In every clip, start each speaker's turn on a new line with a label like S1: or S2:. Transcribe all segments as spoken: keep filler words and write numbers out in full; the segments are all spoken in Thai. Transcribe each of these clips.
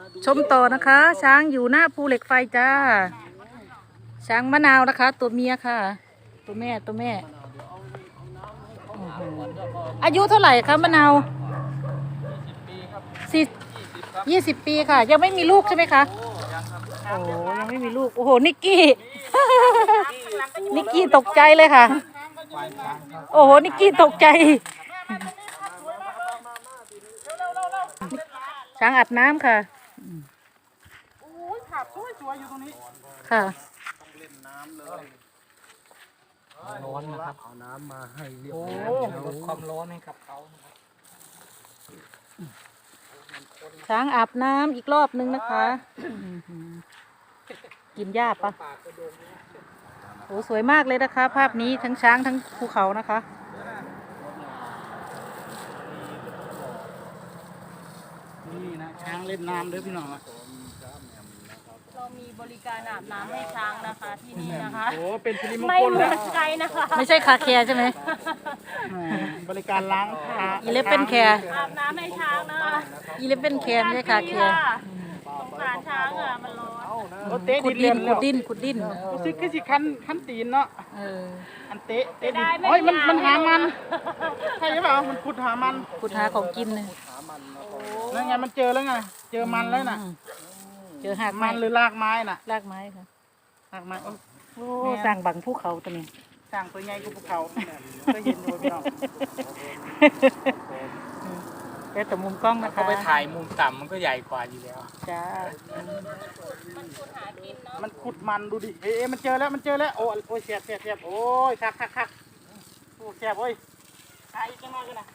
S1: ชมต่อนะคะ ช้างอยู่หน้าภูเหล็กไฟจ้าช้างมะนาวนะคะ ตัวเมียค่ะ ตัวแม่ตัวแม่โอ้โหอายุเท่าไหร่คะมะนาวสี่ยี่สิบปีค่ะ ยังไม่มีลูกใช่ไหมคะโอ้ยังไม่มีลูกโอ้โหนิกกี้ นิกกี้ตกใจเลยค่ะโอ้โหนิกกี้ตกใจช้างอาบน้ำค่ะ
S2: โอ้ยขับสวยสวยอยู่ตรงนี้
S1: ค่ะ
S3: ร้อนนะครับเอาน้ำมาให้เรียบร้อยลดความร้อนให้กับเขานะครับ
S1: ช้างอาบน้ำอีกรอบนึงนะคะกินหญ้าปะโอ้สวยมากเลยนะคะภาพนี้ทั้งช้างทั้งภูเขานะคะ
S2: นี่นะช้างเล่นน้ำด้วยพี่น้อง
S4: เรามีบริการอาบน้ำให้ช้างนะคะที่นี่นะคะ
S2: โอ้เป็นสิริมง
S4: ไม่
S2: คล
S4: เหมื
S2: แล้
S4: อ
S2: วน
S4: ไกลนะคะ
S1: ไม่ใช่คาแคร์ใช่ไหม
S2: บริการล้างผ้า
S1: อีเลฟเป็นแคร์
S4: อาบน้ำให้ช้างนะคะ
S1: อีเลฟเป็นแคร์ไม่ใช่คาแคร์
S4: สงสารช้างอ่ะมันร้อน
S2: โอ้เตะ
S1: ขุด
S2: ดิ
S1: ดิ
S2: น
S1: น
S2: เรีย
S1: ขุ
S2: น
S1: ดดินขุดดิน
S2: รู้สึกคือสิคันคันตีนเนาะ
S1: เออ
S2: อันเตะเตะดินโอ้ยมันมันหามันใช่หรือเปล่ามันขุดหามัน
S1: ขุดหาของกินเลย
S2: แล้วไงมันเจอแล้วไงเจอมันแล้วน่ะ
S1: เจอหาก
S2: มั
S1: ไม้
S2: นหรือรากไม้น่ะ
S1: รากไม้ค่ะ
S2: รากไม้โอ้
S1: โอ้สร้างบังภูเขาตัวนี้
S2: สร้างตัวใหญ่กูภูเขาก็เห็นอยู่พี่น้อง
S1: แล้วแต่มุมกล้องนะคะ
S3: เขาไปถ่ายมุมต่ำมันก็ใหญ่กว่าอยู่แล้ว
S1: จ้า
S2: มันขุดมันดูดิเอ๊ะมันเจอแล้วมันเจอแล้วโอ้โอ้ยเสียบเสียบเสียบโอ้ยคักคักคักโอ้เสียบโอ้ยตายอีกจังเลยนะ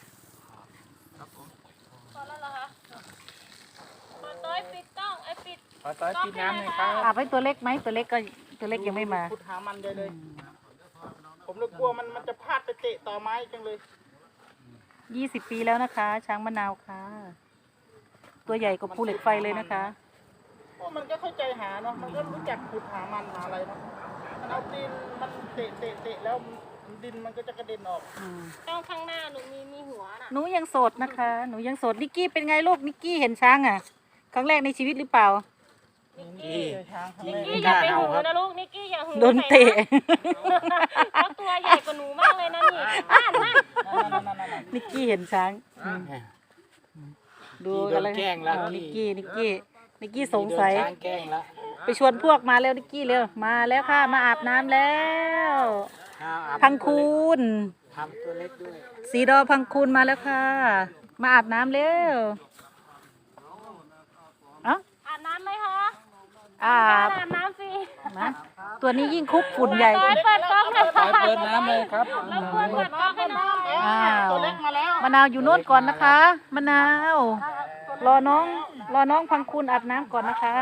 S4: พอแล้วเหรอคะพอต้อยปิดกล้องไอ้ปิด
S3: ขอต้อยกินน้ำหน่อยครับ
S1: อาบให้ตัวเล็กไหมตัวเล็กก็ตัวเล็กยังไม่มา
S2: ขุดหามันเลยเลยผมเลยกลัวมันมันจะพลาดไปเตะต่อไม้จังเลย
S1: ยี่สิบปีแล้วนะคะ ช้างมะนาวค่ะ ตัวใหญ่กว่าภูเหล็กไฟเลยนะคะ
S2: เพราะมันก็เข้าใจหาเนาะมันก็รู้จักขุดหามันหาอะไรเนาะมันเอาดินมันเตะเตะเตะแล้วดินมันก็จะกระเด็นออก
S4: กล้องข้างหน้าหนูมีมีหัวน่ะ
S1: หนูยังโสดนะคะ หนูยังโสดนิกกี้เป็นไงลูกนิกกี้เห็นช้างอ่ะ ครั้งแรกในชีวิตหรือเปล่า
S4: นิกกี้
S2: เจอช้างครั้ง
S4: นิ
S2: แร
S4: ก
S2: ก
S4: กี้อย่าไปหูนะลูกนิกกี้อย่าหู
S1: โดนเตะ
S4: เขาตัวใหญ่กว่าหนูมากเลยนะนี่อ่านมาก
S1: นิกกี้เห็นช้างอืมดูอะไร
S3: แกล้งแล้ว
S1: อ๋อนิกกี้นิกกี้นิกกี้สงสัย
S3: ช้างแกล้งแล้ว
S1: ไปชวนพวกมาแล้วนิกกี้เร็วมาแล้วค่ะมาอาบน้ำแล้ว พังคูน
S3: ทำตัวเล็กด้วย
S1: สีดอพังคูนมาแล้วค่ะ มาอาบน้ำเร็วเอ้า
S4: อาบน้ำไหมคะ
S1: อาบ
S4: อาบน้ำสิ
S1: นะตัวนี้ยิ่งคุกฝุ่นใหญ่
S4: ต้อยเปิดกล้องเลย
S3: ต้อยเปิดน้ำเลยครับ
S4: แล้วควรเปิดกล้องให้น้อง
S1: อ้าว
S2: ตัวเล็กมาแล้ว
S1: มะนาวอยู่โน่นก่อนนะคะมะนาว รอน้องรอน้องพังคูนอาบน้ำก่อนนะคะ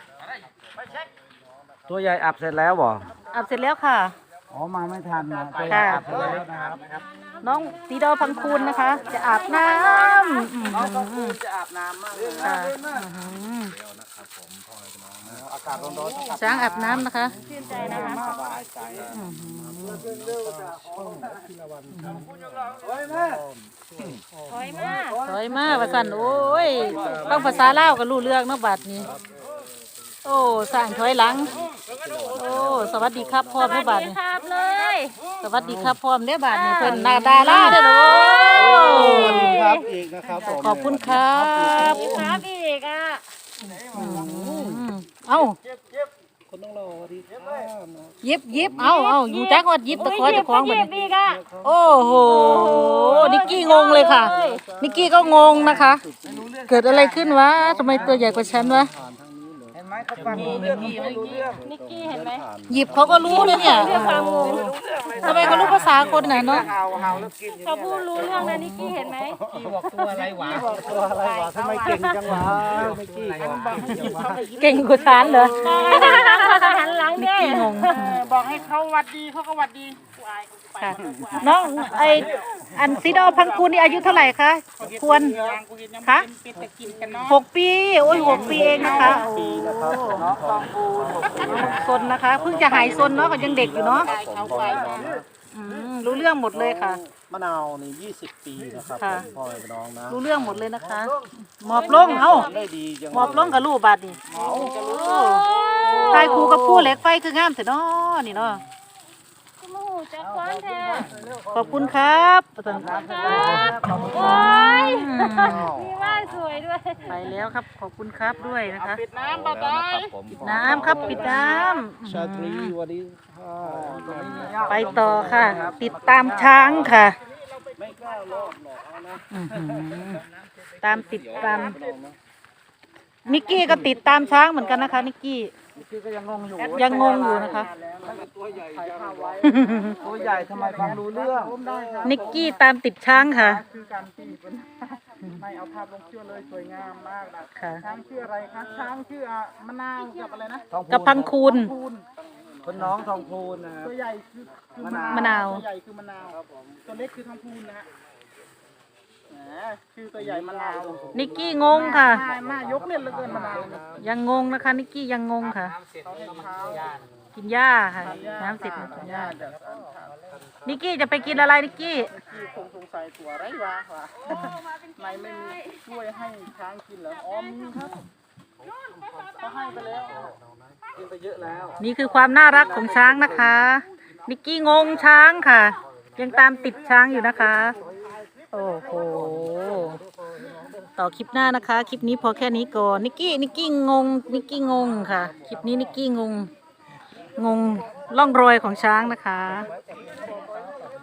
S3: ตัวใหญ่อับเสร็จแล้วบ่
S1: อาบเสร็จแล้วค่ะ
S3: อ๋อมาไม่ทันนะตัว
S1: ค่ะ
S3: อับเสร็จแล้วนะครับ
S1: น้องสีดอพังคูนนะคะ จะอาบน้ำอืม
S2: น้องก็คือจะอาบน้ำมากเลยนะ
S1: ค่ะอืม
S2: อากาศร้อนๆ
S1: ช้างอาบน้ำนะคะ
S4: ชื่นใจนะคะ
S2: สบายใจ
S4: ถอยมาก
S1: สวยมากว่าสันโอ้ยฟังภาษาลาวก็รู้เรื่องเนาะบัดนี้ โอ้สั่งถอยหลัง โอ้สวัสดีครับพ่อ
S4: ส
S1: แม่
S4: วัส
S1: บาด
S4: ดี
S1: นี้
S4: ครับเลย
S1: สวัสดีครับพ่อแม่บาดนี้เพิ่นนาดาล่าเด้อโอ้
S2: สวัสดีครับอีกนะครับผม
S1: ขอบคุณครับ
S4: มีครับอีกอ่ะ
S1: อืมเอ้า
S2: คนต้องรอดีครับ
S1: ยิบยิบเอ้าเอ้าอยู่จักว่ายิบตะคอยตะคอง
S4: ห
S1: บัด
S4: ยิบ
S1: นี้
S4: อีกอ่ะ
S1: โอ้โหนิกกี้งงเลยค่ะ นิกกี้ก็งงนะคะ เกิดอะไรขึ้นวะทำไมตัวใหญ่กว่าฉันวะ
S2: เห็นไหมเขาฟังรู้เรื่องเขารู้เรื่อง
S4: นิกกี้เห็นไหม
S1: หยิบเขาก็รู้นะเนี่ย
S4: เรื่องความงง
S1: ทำไมเขารู้ภาษาคนน่ะเนาะ
S2: เห่าเห่าแล้วกิน
S4: เขาพูดรู้เรื่องนะนิกกี้เห็นไหม
S3: พี่บอกตัวอะไรหวา
S2: ตัวอะไรวะทำไมเก่งจังวะไม่กี้บอก
S1: เก่งกว่าฉันเหรอ
S4: หันหลัง
S1: นิก
S4: ด้วย
S1: กี้งง
S2: บอกให้เขาวัดดีเขาก็วัดดี
S1: ค่ะน้องไออันซีดอพังคูนนี่อายุเท่าไหร่คะควรคะ
S2: เป็นตะกินกันเนาะ
S1: หกปีโอ้ยหกปีเองนะคะโอ้ซนนะคะเพิ่งจะหายซนเนาะก็ยังเด็กอยู่เนาะ
S2: เอาไป
S1: อืมรู้เรื่องหมดเลยค่ะ
S2: มะนาวนี่ยี่สิบปีนะครับ
S1: ค่ะ
S2: ผมพ่อแม่พี่น้องนะ
S1: รู้เรื่องหมดเลยนะคะ หมอบลงเอ้า
S2: ได้ดีจัง
S1: หมอบลงกับลูกบาดนี่ทายครูกับผู้เหล็กไฟคืองามแต่น้อนี่เนาะ
S4: คุณหมูจะคว้านแท้
S1: ขอบคุณครับประธาน
S4: ครับโอ้ยมีว่านสวยด้วย
S1: ไปแล้วครับ ขอบคุณครับด้วยนะคะ
S2: ปิดน้ำบาดา
S3: แล้ว
S2: ย
S3: นะครับผม
S1: ปิดน้ำครับปิดน้
S2: ชาตรี
S1: ำ
S2: วันนี้ค่ะ
S1: ไปต่อค่ะ ติดตามช้างค่ะ
S2: ไม่กล้าลอกหรอกเอานะ
S1: อื้อหือตามติดตามนิกกี้ก็ติดตามช้างเหมือนกันนะคะนิกกี้
S2: พี่ก็ยังงงอยู่
S1: ยังงงอยู่นะคะ
S2: ตัวใหญ่จังไว้ตัวใหญ่ทำไมฟังรู้เรื่อง
S1: นิกกี้ตามติดช้างค่ะ
S2: คือการตีเป็นไม่เอาภาพลงเชื่อเลยสวยงามมากนะ
S1: ค่ะ
S2: ช้างชื่ออะไรคะช้างชื่ออ่ะมะนาวกับอะไรนะ
S1: กับพังคูณ
S2: พูน
S3: คนน้องทองพูนนะครับ
S2: ตัวใหญ่คือคือ
S1: มะนาว
S2: ตัวใหญ่คือมะนาวตัวเล็กคือทองพูนนะฮะแหมชื่อตัวใหญ่มะนาว
S1: นิกกี้งงค่ะ
S2: หน้าหน้ายกเล่นเหลือเกินมะนาวเนี่ย
S1: ยังงงนะคะนิกกี้ยังงงค่ะ
S2: เขาให้เท้า
S1: กินหญ้าค่ะ น้ำเสร็จมากินหญ้า
S2: จากอันเท้า
S1: นิกกี้จะไปกินอะไรนิกกี้
S2: ที่คงสงสัยตัวไรวะวะในไม่มีช่วยให้ช้างกินเหรออ๋อมีครับเขาให้ไปแล้วกินไปเยอะแล้ว
S1: นี่คือความน่ารักของช้างนะคะ นิกกี้งงช้างค่ะ ยังตามติดช้างอยู่นะคะ โอ้โห ต่อคลิปหน้านะคะ คลิปนี้พอแค่นี้ก่อน นิกกี้ นิกกี้งง นิกกี้งงค่ะ คลิปนี้นิกกี้งง งงล่องรอยของช้างนะคะ
S2: เ